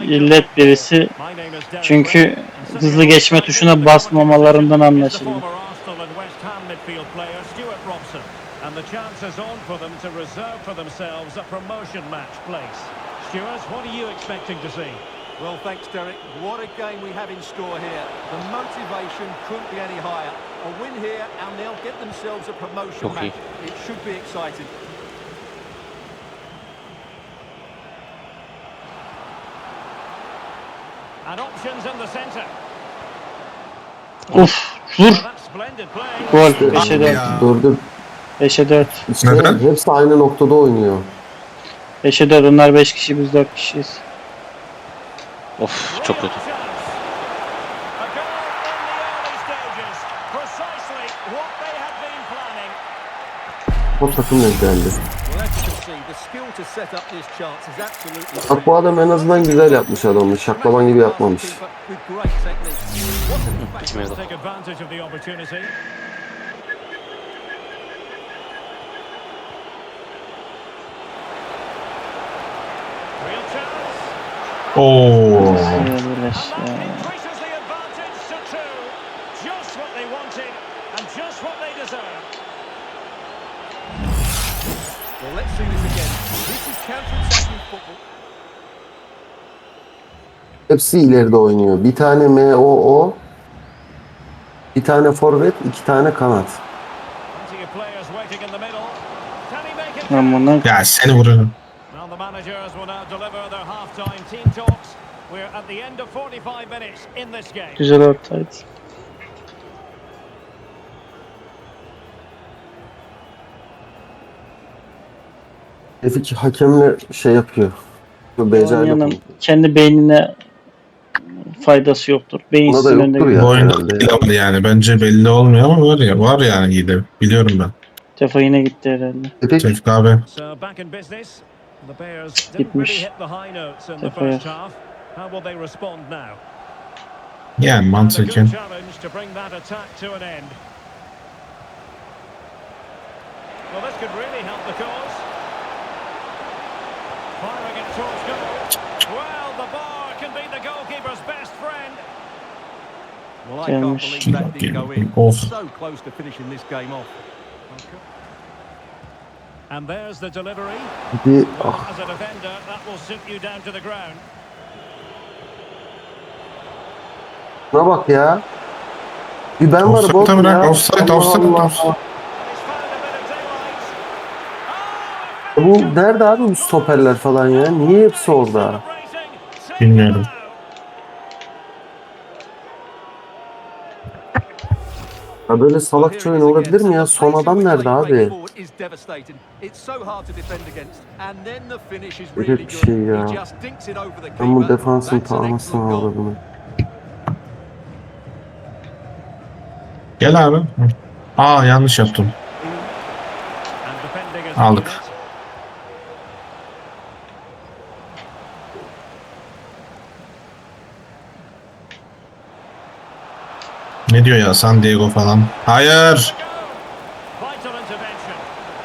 illet birisi. Çünkü hızlı geçme tuşuna basmamalarından anlaşıldı. And the chance is on for them to reserve for themselves a promotion match place. Stuart, what are you expecting to see? Well, thanks, Derek. What a game we have in store here. The motivation couldn't be any higher. A win here and they'll get themselves a promotion match. It should be exciting. And options in the centre. Uf, vur. That's splendid play. Gol. 5'e 4. Dördü. 5'e 4. İşte Neden? hepsi aynı noktada oynuyor. 5'e 4. Onlar 5 kişi, biz 4 kişiyiz. Of çok kötü. A goal in the early stages. Precisely what they had been planning. O takım denk geldi. Well, as you can see, the skill to set up this chance is absolutely Bak bu adam en azından güzel yapmış adamı. Şaklaban gibi yapmamış. with great technique. Bitmedi. Take advantage of the opportunity. Real chance. Oo. Birleş And ya. that increases the advantage to two. Just what they wanted and just what they deserve. Well, let's see this again. This is counter-attacking football. Hepsi ileride oynuyor. Bir tane MOO, bir tane forvet, iki tane kanat. Plenty of players waiting in the middle. Can he make it? Ben bundan Ya seni vururum. Well, the managers will now deliver their half-time team talks. We're at the end of 45 minutes in this game. güzel ortaydı. Tevfik hakemle şey yapıyor. Becer Yanın yapıyor. kendi beynine faydası yoktur. Beyin Buna da sizin önünde yoktur bir ya. Bu oyunda herhalde hile ya. var yani. Bence belli olmuyor ama var ya. Var yani hile. Biliyorum ben. defa yine gitti herhalde. Tevfik Tevfik abi. So back in business. The Bears didn't Gitmiş. really hit the high notes in the Defaya. first half. How will they respond now? Yani And a mantıken. good challenge to bring that attack to an end. Well, this could really help the cause. Firing it towards goal. Well, the bar can be the goalkeeper's best friend. Well, I can't Gelmiş. believe that didn't go in. Of. So close to finishing this game off. And there's the delivery. bir Well, as a defender, that will suit you down to the ground. buna bak ya. Bir ben varım Offside oğlum bırak. ya. Offside, Allah offside, Allah. offside. And he's found a bit of daylight. Bu nerede abi bu stoperler falan ya? Niye hepsi orada? Celebrating. Bilmiyorum. Ya böyle salakça oyun olabilir mi ya? Son adam nerede abi? Öyle bir şey ya. Ben bu defansın tağmasını aldım. Gel abi. Aa yanlış yaptım. And defending is Aldık. Ne diyor ya San Diego falan. Hayır. vital intervention.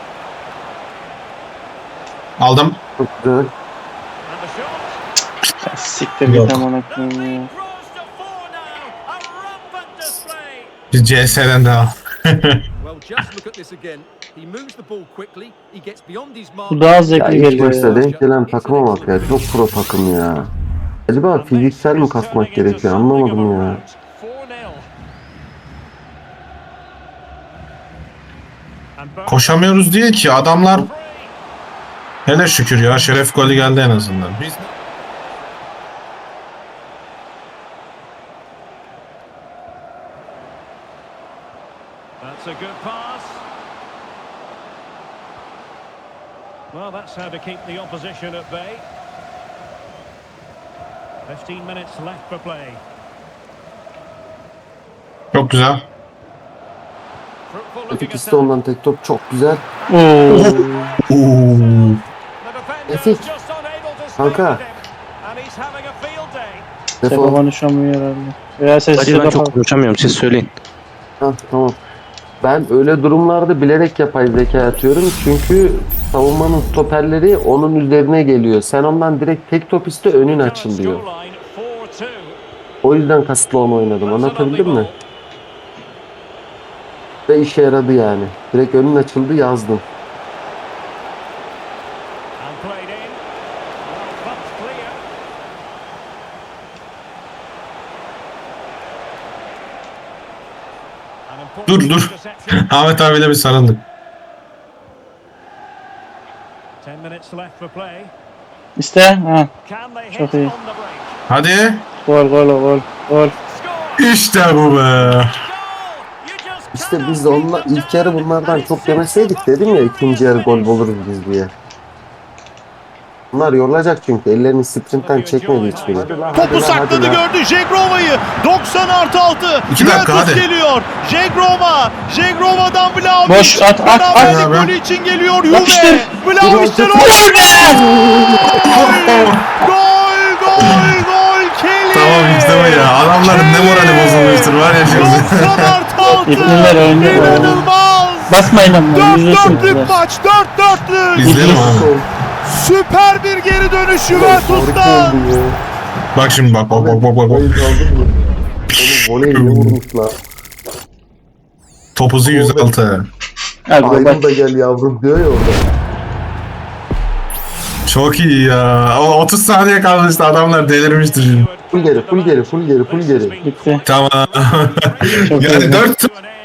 Aldım. Çok güzel. And the shot. Siktir Yok. git amına koyayım ya. Grows to four now. A rampant display. Biz CS'den devam. Well, just look at this again. He moves the ball quickly. He gets beyond his mark. Bu daha Ya zevkli ilk geliyor başta ya. denk gelen takıma bak ya. Çok pro takım ya. Acaba fiziksel mi kasmak gerekiyor? Anlamadım ya. 4-0. Koşamıyoruz diye ki adamlar hele şükür ya şeref golü geldi en azından. Biz That's a good pass. Well, that's how to keep the opposition at bay. 15 minutes left for play. çok güzel. Fruitful Tevfik looking iste ondan tek top çok güzel. Oo. Oo. The defender Tevfik. is just unable to stay Kanka. with him. And he's having a field day. Defa Defol. konuşamıyor herhalde. Veya sesi Hadi ben de çok konuşamıyorum. Siz söyleyin. Ha, tamam. Ben öyle durumlarda bilerek yapay zeka atıyorum çünkü savunmanın stoperleri onun üzerine geliyor. Sen ondan direkt tek top iste önün açılıyor. Scoreline 4-2. O yüzden kasıtlı onu oynadım. Anlatabildim mi? Ve işe yaradı yani. Direkt önün açıldı yazdım. And played in. Well, bumped clear. An important Dur dur. interception. Ahmet abiyle bir sarıldık. 10 minutes left for play. İşte ha. Can they Çok hit iyi. on the break? Hadi. Gol gol gol. Gol. Score! İşte bu be. Goal! You just İşte cannot biz de onunla keep them ilk yarı down. bunlardan And çok it's yemeseydik six to dedim ya nothing. ikinci yarı gol buluruz biz diye. Bunlar yorulacak çünkü ellerini sprintten çekmedi hiçbiri. Topu sakladı gördü Jegrova'yı. 90+6. 2 dakika, Juventus hadi. geliyor. Jegrova'dan Vlahovic. Boş, at. Beraberlik Abi. golü için geliyor Yapıştır. Juve. Vlahovic'ten Gol be! Gol Kelly. Tamam işte bu ya. Adamların ne morali bozulmuştur var ya şimdi. 90+6. İpneler oynuyor. İnanılmaz. Basmayın ama. 4-4'lük maç. 4-4'lük. İzleyelim abi. Süper bir geri dönüş Harika Juventus'tan. oldu ya. Bak şimdi bak bak bak bak bak. Voleyi aldın mı? Oğlum voleyi ne vurmuşlar. Topuzu 106. Hadi bak. Ayrıl da gel yavrum diyor ya orada. Çok iyi ya. O 30 saniye kalmıştı adamlar delirmiştir şimdi. Full geri, full geri, full geri, full geri. Bitti. Tamam. Çok Yani iyi. 4 To an end.